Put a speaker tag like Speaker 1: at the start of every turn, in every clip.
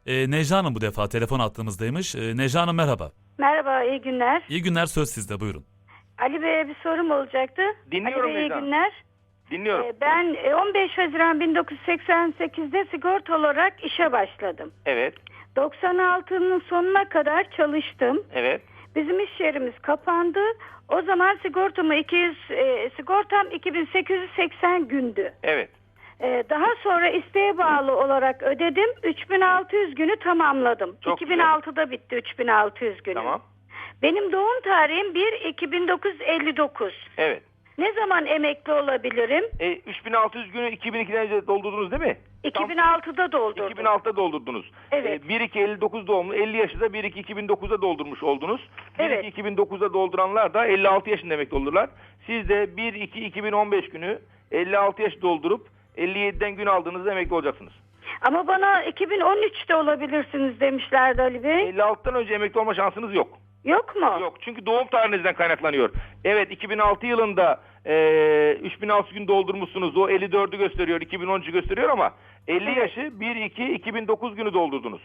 Speaker 1: Necla Hanım bu defa telefon attığımızdaymış. Necla Hanım merhaba.
Speaker 2: Merhaba, iyi günler.
Speaker 1: İyi günler, söz sizde, buyurun.
Speaker 2: Ali Bey'e bir sorum olacaktı.
Speaker 3: Dinliyorum
Speaker 2: Ali Bey, iyi
Speaker 3: Necla.
Speaker 2: günler.
Speaker 3: Dinliyorum.
Speaker 2: Ben 15 Haziran 1988'de sigorta olarak işe başladım.
Speaker 3: Evet.
Speaker 2: 96'nın sonuna kadar çalıştım.
Speaker 3: Evet.
Speaker 2: Bizim iş yerimiz kapandı. O zaman sigortam 2880 gündü.
Speaker 3: Evet.
Speaker 2: Daha sonra isteğe bağlı olarak ödedim. 3600 günü tamamladım.
Speaker 3: Çok
Speaker 2: 2006'da bitti 3600 günü.
Speaker 3: Tamam.
Speaker 2: Benim doğum tarihim 1-2959.
Speaker 3: Evet.
Speaker 2: Ne zaman emekli olabilirim?
Speaker 3: 3600 günü 2002'de doldurdunuz değil mi?
Speaker 2: 2006'da doldurdum.
Speaker 3: 2006'da doldurdunuz.
Speaker 2: Evet.
Speaker 3: 1-2-59 doğumlu 50 yaşında 1-2-2009'da doldurmuş oldunuz.
Speaker 2: Evet.
Speaker 3: 1-2-2009'da dolduranlar da 56 yaşında emekli olurlar. Siz de 1-2-2015 günü 56 yaş doldurup 57'den gün aldığınızda emekli olacaksınız.
Speaker 2: Ama bana 2013'te olabilirsiniz demişlerdi Ali Bey.
Speaker 3: 56'dan önce emekli olma şansınız yok.
Speaker 2: Yok mu?
Speaker 3: Yok, çünkü doğum tarihinizden kaynaklanıyor. Evet, 2006 yılında 3600 gün doldurmuşsunuz. O 54'ü gösteriyor, 2013'ü gösteriyor ama 50 yaşı 1-2-2009 günü doldurdunuz.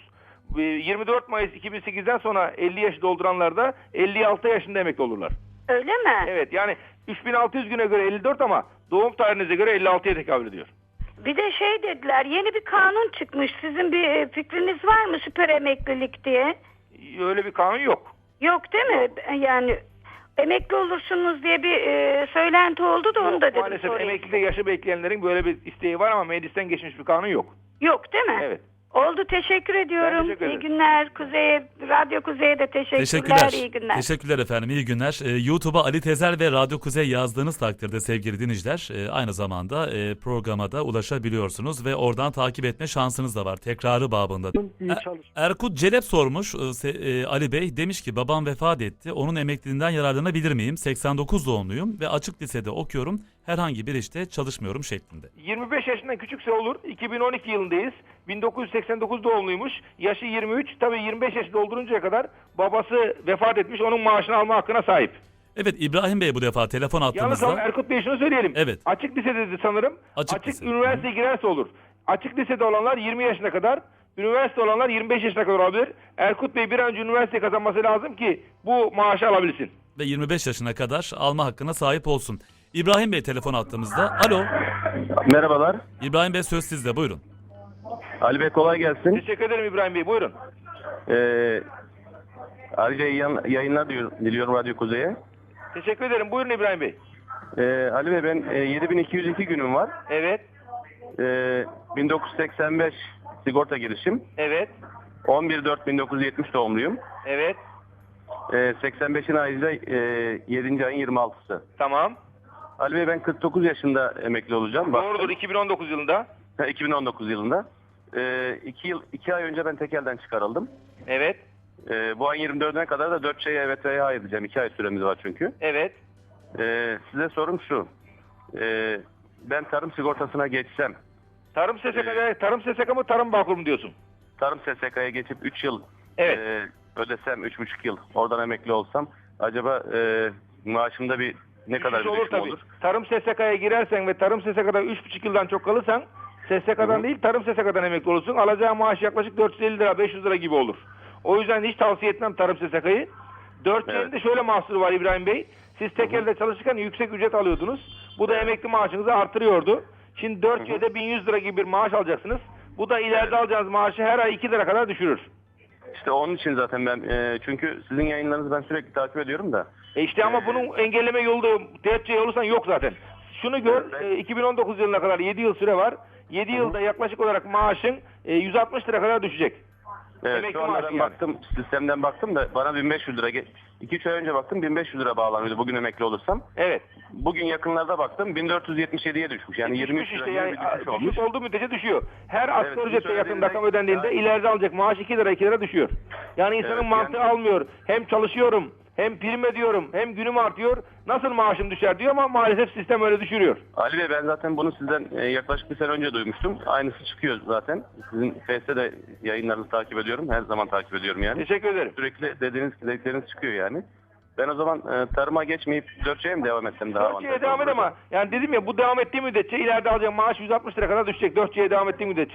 Speaker 3: 24 Mayıs 2008'den sonra 50 yaşı dolduranlar da 56 yaşında emekli olurlar.
Speaker 2: Öyle mi?
Speaker 3: Evet, yani 3600 güne göre 54 ama doğum tarihinize göre 56'ya tekabül ediyor.
Speaker 2: Bir de şey dediler, yeni bir kanun çıkmış. Sizin bir fikriniz var mı, süper emeklilik diye?
Speaker 3: Öyle bir kanun yok.
Speaker 2: Yok değil mi? Yani emekli olursunuz diye bir söylenti oldu da onu da dedim
Speaker 3: Maalesef
Speaker 2: sorayım.
Speaker 3: emeklilikte yaşı bekleyenlerin böyle bir isteği var ama meclisten geçmiş bir kanun yok.
Speaker 2: Yok değil mi?
Speaker 3: Evet.
Speaker 2: Oldu, teşekkür ediyorum.
Speaker 3: Ben teşekkür ederim.
Speaker 2: İyi günler. Radyo Kuzey'e de teşekkürler. İyi günler.
Speaker 1: Teşekkürler efendim, iyi günler. YouTube'a Ali Tezel ve Radyo Kuzey yazdığınız takdirde sevgili dinleyiciler aynı zamanda programa da ulaşabiliyorsunuz ve oradan takip etme şansınız da var. Tekrarı babında. Erkut Celep sormuş Ali Bey, demiş ki babam vefat etti. Onun emekliliğinden yararlanabilir miyim? 89 doğumluyum ve açık lisede okuyorum. Herhangi bir işte çalışmıyorum şeklinde.
Speaker 3: 25 yaşından küçükse olur. 2012 yılındayız. 1989 doğumluymuş. Yaşı 23. Tabii 25 yaşı dolduruncaya kadar babası vefat etmiş. Onun maaşını alma hakkına sahip.
Speaker 1: Evet, İbrahim Bey bu defa telefon
Speaker 3: Yalnız
Speaker 1: attığımızda.
Speaker 3: Erkut Bey şunu söyleyelim.
Speaker 1: Evet.
Speaker 3: Açık lisedeydi sanırım.
Speaker 1: Açık lise.
Speaker 3: Üniversiteye girerse olur. Açık lisede olanlar 20 yaşına kadar, üniversite olanlar 25 yaşına kadar olabilir. Erkut Bey bir an önce üniversite kazanması lazım ki bu maaşı alabilsin.
Speaker 1: Ve 25 yaşına kadar alma hakkına sahip olsun. İbrahim Bey telefon attığımızda. Alo.
Speaker 4: Merhabalar.
Speaker 1: İbrahim Bey söz sizde, buyurun.
Speaker 4: Ali Bey kolay gelsin.
Speaker 3: Teşekkür ederim İbrahim Bey. Buyurun.
Speaker 4: Ayrıca yayınlar diliyorum Radyo Kuzey'e.
Speaker 3: Teşekkür ederim. Buyurun İbrahim Bey.
Speaker 4: Ali Bey ben 7202 günüm var.
Speaker 3: Evet.
Speaker 4: 1985 sigorta girişim.
Speaker 3: Evet.
Speaker 4: 11.4.1970 doğumluyum.
Speaker 3: Evet.
Speaker 4: 85'in ayında 7. ayın 26'sı.
Speaker 3: Tamam.
Speaker 4: Ali Bey ben 49 yaşında emekli olacağım.
Speaker 3: Doğrudur, 2019 yılında.
Speaker 4: 2019 yılında. 2 ay önce ben tekelden çıkarıldım.
Speaker 3: Evet.
Speaker 4: Bu ayın 24'üne kadar da 4 şeye evet veya hayır diyeceğim. 2 ay süremiz var çünkü.
Speaker 3: Evet.
Speaker 4: Size sorum şu. Ben tarım sigortasına geçsem.
Speaker 3: Tarım SSK mı Tarım Bağkur mu diyorsun?
Speaker 4: Tarım SSK'ya geçip 3 yıl
Speaker 3: Evet.
Speaker 4: ödesem 3,5 yıl oradan emekli olsam acaba maaşımda ne kadar bir
Speaker 3: olur
Speaker 4: düşüm
Speaker 3: tabii.
Speaker 4: olur?
Speaker 3: Tarım SSK'ya girersen ve Tarım SSK'da 3,5 yıldan çok kalırsan SSK'dan değil Tarım SSK'dan emekli olursun. Alacağı maaş yaklaşık 450 lira 500 lira gibi olur. O yüzden hiç tavsiye etmem Tarım SSK'yı. 4C'nin de şöyle mahsuru var İbrahim Bey. Siz tekelde çalışırken yüksek ücret alıyordunuz. Bu da emekli maaşınızı artırıyordu. Şimdi 4C'de 1100 lira gibi bir maaş alacaksınız. Bu da ileride alacağınız maaşı her ay 2 lira kadar düşürür.
Speaker 4: İşte onun için zaten ben çünkü sizin yayınlarınızı ben sürekli takip ediyorum da.
Speaker 3: İşte ama bunun engelleme yolu da 4C olursan yok zaten. Şunu gör, 2019 yılına kadar 7 yıl süre var. 7 yılda yaklaşık olarak maaşın 160 lira kadar düşecek.
Speaker 4: Evet,
Speaker 3: Emekli
Speaker 4: şu anda
Speaker 3: maaşı
Speaker 4: ben
Speaker 3: yani.
Speaker 4: baktım, sistemden baktım da bana 1500 lira, 2-3 ay önce baktım 1500 lira bağlanıyordu bugün emekli olursam.
Speaker 3: Evet.
Speaker 4: Bugün yakınlarda baktım 1477'ye düşmüş. Yani 23
Speaker 3: düşmüş
Speaker 4: lira
Speaker 3: işte,
Speaker 4: gibi bir düşüş olmuş.
Speaker 3: düşük olduğu müddetçe düşüyor. Her asgari
Speaker 4: sizin
Speaker 3: ücretle yakın
Speaker 4: söylediğiniz-
Speaker 3: rakam ödendiğinde
Speaker 4: Yani-
Speaker 3: ileride alacak maaş 2 lira düşüyor. Yani insanın
Speaker 4: Evet,
Speaker 3: mantığı
Speaker 4: yani-
Speaker 3: almıyor. Hem çalışıyorum, hem prim ediyorum, hem günüm artıyor. Nasıl maaşım düşer diyor ama maalesef sistem öyle düşürüyor.
Speaker 4: Ali Bey ben zaten bunu sizden yaklaşık bir sene önce duymuştum. Aynısı çıkıyor zaten. Sizin Face'te de yayınlarınızı takip ediyorum. Her zaman takip ediyorum yani.
Speaker 3: Teşekkür ederim.
Speaker 4: Sürekli dedikleriniz çıkıyor yani. Ben o zaman tarıma geçmeyip 4C'ye mi devam etsem daha
Speaker 3: 4C'ye devam et ama yani dedim ya bu devam ettiği müddetçe ileride alacağım maaş 160 lira kadar düşecek. 4C'ye devam ettiği müddetçe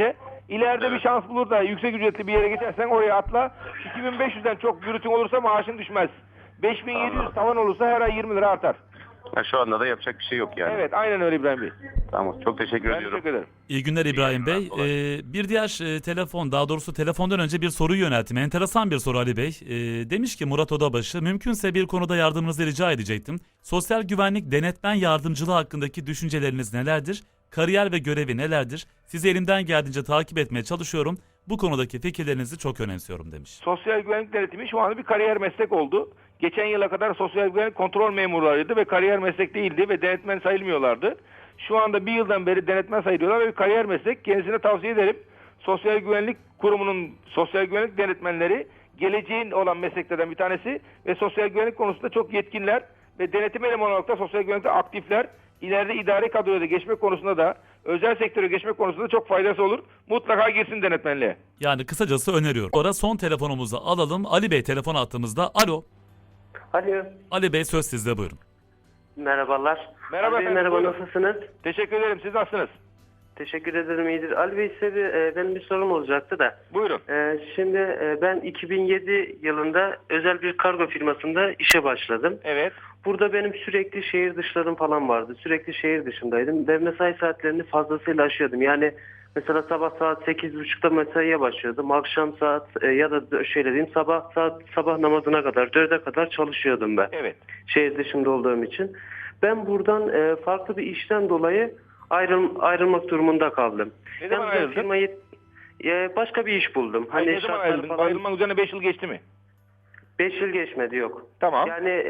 Speaker 3: İleride bir şans bulur da yüksek ücretli bir yere geçersen oraya atla. 2500'den çok yürütün olursa maaşın düşmez. 5700 tavan olursa her ay 20 lira artar.
Speaker 4: Ha, şu anda da yapacak bir şey yok yani.
Speaker 3: Evet, aynen öyle İbrahim Bey.
Speaker 4: Tamam, çok teşekkür
Speaker 3: Ben
Speaker 4: ediyorum.
Speaker 3: teşekkür ederim.
Speaker 1: İyi günler İbrahim Bey.
Speaker 4: günler, kolay.
Speaker 1: Bir diğer telefon, daha doğrusu telefondan önce bir soruyu yönelttim. Enteresan bir soru Ali Bey. Demiş ki Murat Odabaşı, mümkünse bir konuda yardımınızı rica edecektim. Sosyal güvenlik denetmen yardımcılığı hakkındaki düşünceleriniz nelerdir? Kariyer ve görevi nelerdir? Sizi elimden geldiğince takip etmeye çalışıyorum. Bu konudaki fikirlerinizi çok önemsiyorum demiş.
Speaker 3: Sosyal güvenlik denetimi şu anda bir kariyer meslek oldu. Geçen yıla kadar sosyal güvenlik kontrol memurlarıydı ve kariyer meslek değildi ve denetmen sayılmıyorlardı. Şu anda bir yıldan beri denetmen sayılıyorlar ve bir kariyer meslek. Kendisine tavsiye ederim. Sosyal Güvenlik Kurumu'nun sosyal güvenlik denetmenleri geleceğin olan mesleklerden bir tanesi ve sosyal güvenlik konusunda çok yetkinler ve denetim elemanı olarak da sosyal güvenlikte aktifler. İleride idari kadroya da geçmek konusunda da özel sektöre geçmek konusunda da çok faydası olur. Mutlaka girsin denetmenliğe.
Speaker 1: Yani kısacası öneriyorum. Sonra son telefonumuzu alalım. Ali Bey telefon attığımızda. Alo.
Speaker 5: Alo.
Speaker 1: Ali Bey söz sizde, buyurun.
Speaker 5: Merhabalar.
Speaker 3: Merhaba
Speaker 5: Ali Bey,
Speaker 3: efendim,
Speaker 5: merhaba,
Speaker 3: buyurun.
Speaker 5: nasılsınız?
Speaker 3: Teşekkür ederim. Siz nasılsınız?
Speaker 5: Teşekkür ederim, iyidir. Ali Bey, size benim bir sorum olacaktı da.
Speaker 3: Buyurun.
Speaker 5: Şimdi ben 2007 yılında özel bir kargo firmasında işe başladım.
Speaker 3: Evet.
Speaker 5: Burada benim sürekli şehir dışlarım falan vardı. Sürekli şehir dışındaydım ve mesai saatlerini fazlasıyla aşıyordum. Yani mesela sabah saat 8.30'da mesaiye başlıyordum. Akşam saat ya da şöyle diyeyim sabah namazına kadar 4'e kadar çalışıyordum ben.
Speaker 3: Evet.
Speaker 5: Şehir dışında olduğum için. Ben buradan farklı bir işten dolayı ayrılmak durumunda kaldım.
Speaker 3: Ne zaman
Speaker 5: Ben bu
Speaker 3: ayrıldın?
Speaker 5: firmayı başka bir iş buldum.
Speaker 3: Ne zaman
Speaker 5: şartlar
Speaker 3: ayrıldın?
Speaker 5: falan
Speaker 3: Ayrılmanın üzerine 5 yıl geçti mi?
Speaker 5: 5 yıl geçmedi, yok.
Speaker 3: Tamam.
Speaker 5: Yani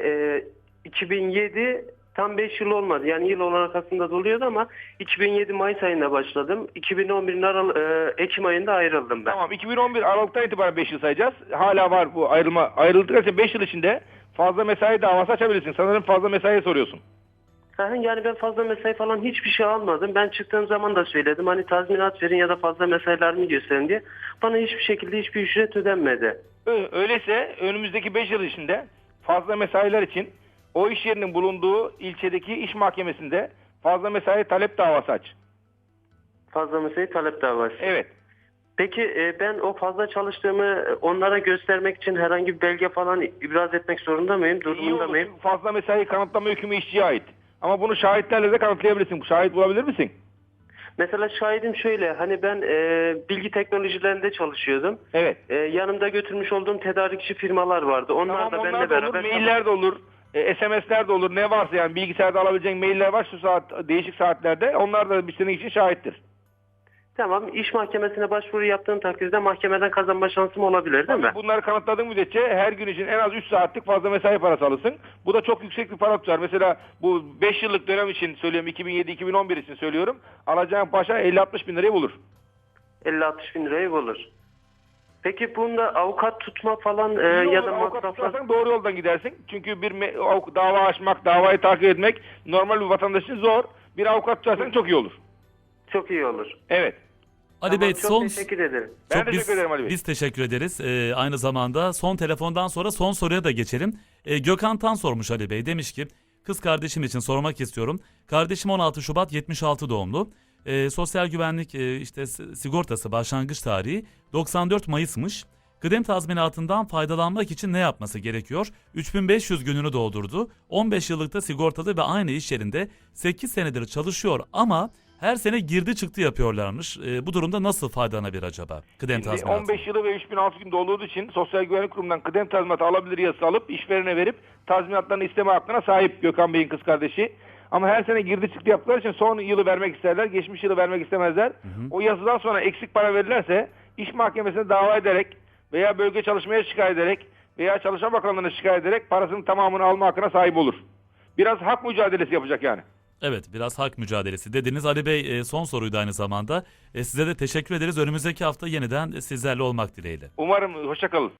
Speaker 5: 2007 tam 5 yıl olmadı. Yani yıl olarak aslında doluyordu ama 2007 Mayıs ayında başladım. 2011'in Ekim ayında ayrıldım ben.
Speaker 3: Tamam. 2011 Aralık'tan itibaren 5 yıl sayacağız. Hala var bu ayrılma. Ayrıldıkça 5 yıl içinde fazla mesai davası açabilirsin. Sanırım fazla mesaiye soruyorsun.
Speaker 5: Yani ben fazla mesai falan hiçbir şey almadım. Ben çıktığım zaman da söyledim. Hani tazminat verin ya da fazla mesailerimi gösterin diye. Bana hiçbir şekilde hiçbir ücret ödenmedi.
Speaker 3: Öyleyse önümüzdeki 5 yıl içinde fazla mesailer için o iş yerinin bulunduğu ilçedeki iş mahkemesinde fazla mesai talep davası aç.
Speaker 5: Fazla mesai talep davası.
Speaker 3: Evet.
Speaker 5: Peki ben o fazla çalıştığımı onlara göstermek için herhangi bir belge falan ibraz etmek zorunda mıyım?
Speaker 3: İyi
Speaker 5: Durumunda
Speaker 3: olur.
Speaker 5: mıyım?
Speaker 3: Çünkü fazla mesai kanıtlama hükmü işçiye ait. Ama bunu şahitlerle de kanıtlayabilirsin. Şahit bulabilir misin?
Speaker 5: Mesela şahidim şöyle, hani ben bilgi teknolojilerinde çalışıyordum.
Speaker 3: Evet.
Speaker 5: Yanımda götürmüş olduğum tedarikçi firmalar vardı. Onlar
Speaker 3: Tamam,
Speaker 5: da
Speaker 3: onlar
Speaker 5: benimle
Speaker 3: da olur,
Speaker 5: beraber...
Speaker 3: mailler de olur, SMS'ler de olur, ne varsa yani bilgisayarda alabileceğin mailler var şu saat, değişik saatlerde. Onlar da senin için şahittir.
Speaker 5: Tamam, iş mahkemesine başvuru yaptığım takdirde mahkemeden kazanma şansım olabilir değil mi?
Speaker 3: Bunları kanıtladığın müddetçe her gün için en az 3 saatlik fazla mesai parası alırsın. Bu da çok yüksek bir para tutar. Mesela bu 5 yıllık dönem için söylüyorum, 2007-2011 için söylüyorum. Alacağın başa 50-60 bin lirayı bulur.
Speaker 5: 50-60 bin lirayı bulur. Peki bunda avukat tutma falan
Speaker 3: İyi
Speaker 5: ya
Speaker 3: olur,
Speaker 5: da
Speaker 3: avukat
Speaker 5: masraflar...
Speaker 3: tutarsan doğru yoldan gidersin. Çünkü bir dava açmak, davayı takip etmek normal bir vatandaş için zor. Bir avukat tutarsan çok iyi olur.
Speaker 5: Çok iyi olur.
Speaker 3: Evet.
Speaker 1: Ali
Speaker 5: Tamam,
Speaker 1: Bey
Speaker 5: çok
Speaker 1: son...
Speaker 5: teşekkür ederim.
Speaker 3: Ben teşekkür ederim Ali Bey.
Speaker 1: Biz teşekkür ederiz. Aynı zamanda son telefondan sonra son soruya da geçelim. Gökhan Tan sormuş Ali Bey. Demiş ki kız kardeşim için sormak istiyorum. Kardeşim 16 Şubat 76 doğumlu. Sosyal güvenlik işte sigortası başlangıç tarihi 94 Mayıs'mış. Kıdem tazminatından faydalanmak için ne yapması gerekiyor? 3500 gününü doldurdu. 15 yıllıkta sigortalı ve aynı iş yerinde 8 senedir çalışıyor ama her sene girdi çıktı yapıyorlarmış. Bu durumda nasıl faydalanabilir acaba kıdem tazminatı?
Speaker 3: 15 yılı ve 3006 gün dolduğu için Sosyal Güvenlik Kurumu'ndan kıdem tazminatı alabilir yazısı alıp işverene verip tazminatlarını isteme hakkına sahip Gökhan Bey'in kız kardeşi. Ama her sene girdi çıktı yaptıkları için son yılı vermek isterler, geçmiş yılı vermek istemezler. O yazıdan sonra eksik para verirlerse iş mahkemesine dava ederek veya bölge çalışmaya şikayet ederek veya Çalışma Bakanlığı'na şikayet ederek parasının tamamını alma hakkına sahip olur. Biraz hak mücadelesi yapacak yani.
Speaker 1: Evet, biraz hak mücadelesi dediniz. Ali Bey son soruydu aynı zamanda. Size de teşekkür ederiz. Önümüzdeki hafta yeniden sizlerle olmak dileğiyle.
Speaker 3: Umarım, hoşça kalın.